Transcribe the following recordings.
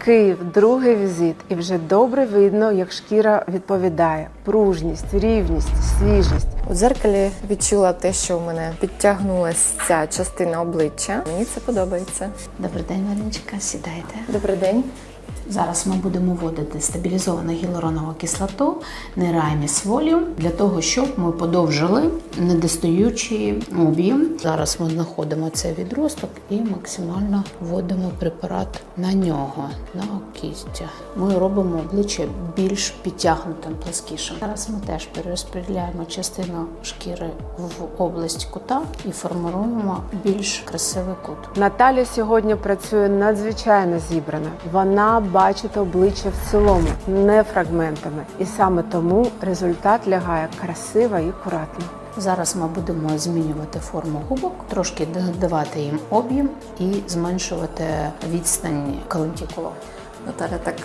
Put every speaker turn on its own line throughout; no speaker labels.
Київ, другий візит, і вже добре видно, як шкіра відповідає. Пружність, рівність, свіжість.
У дзеркалі відчула те, що в мене підтягнулася ця частина обличчя. Мені це подобається.
Добрий день, Мариночка, сідайте.
Добрий день.
Зараз ми будемо вводити стабілізовану гіалуронову кислоту Нераміс Волюм для того, щоб ми подовжили недостаючий об'єм. Зараз ми знаходимо цей відросток і максимально вводимо препарат на нього, на кістя. Ми робимо обличчя більш підтягнутим, пласкішим. Зараз ми теж перерозподіляємо частину шкіри в область кута і формуємо більш красивий кут.
Наталя сьогодні працює надзвичайно зібрана. Вона бачить обличчя в цілому, не фрагментами. І саме тому результат лягає красиво і акуратно.
Зараз ми будемо змінювати форму губок, трошки додавати їм об'єм і зменшувати відстань калентикулу.
Наталя так,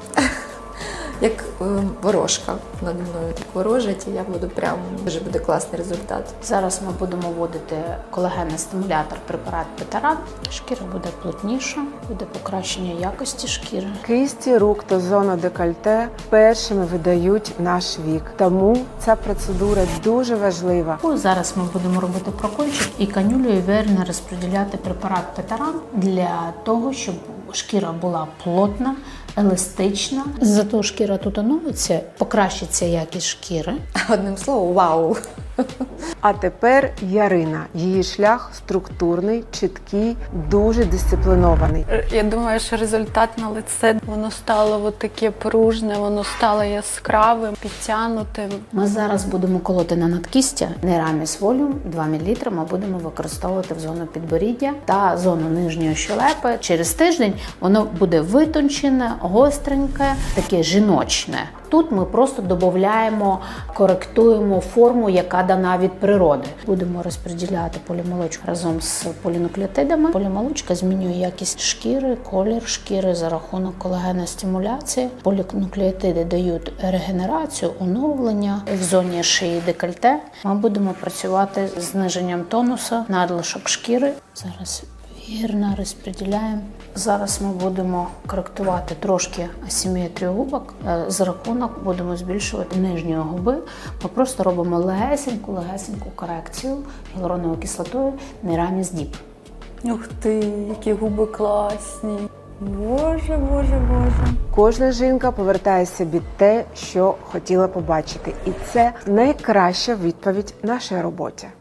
як ворожка наді мною так ворожить, і я буду прям, дуже буде класний результат.
Зараз ми будемо вводити колагенний стимулятор препарат Петаран. Шкіра буде плотніша, буде покращення якості шкіри.
Кисті рук та зона декольте першими видають наш вік. Тому ця процедура дуже важлива.
Зараз ми будемо робити прокольчик і канюлею вірно розподіляти препарат Петаран для того, щоб шкіра була плотна, еластична. Зато шкіра тут оновиться, покращиться якість шкіри.
Одним словом, вау!
А тепер Ярина. Її шлях структурний, чіткий, дуже дисциплінований.
Я думаю, що результат на лице, воно стало таке пружне, воно стало яскравим, підтягнутим.
Ми зараз будемо колоти на надкістя Нераміс Волюм 2 мл ми будемо використовувати в зону підборіддя та зону нижньої щелепи. Через тиждень воно буде витончене, гостреньке, таке жіночне. Тут ми просто додаємо, коректуємо форму, яка дана від природи. Будемо розподіляти полімолочку разом з полінуклеотидами. Полімолочка змінює якість шкіри, колір шкіри за рахунок колагеностимуляції. Полінуклеотиди дають регенерацію, оновлення в зоні шиї декольте. Ми будемо працювати з зниженням тонусу, надлишок шкіри. Зараз вірно розподіляємо. Зараз ми будемо коректувати трошки асиметрію губок. За рахунок будемо збільшувати нижньої губи. Ми просто робимо легесеньку корекцію гіалуроновою кислотою Нераміс Діп.
Ух ти, які губи класні. Боже, боже, боже.
Кожна жінка повертає собі те, що хотіла побачити. І це найкраща відповідь нашій роботі.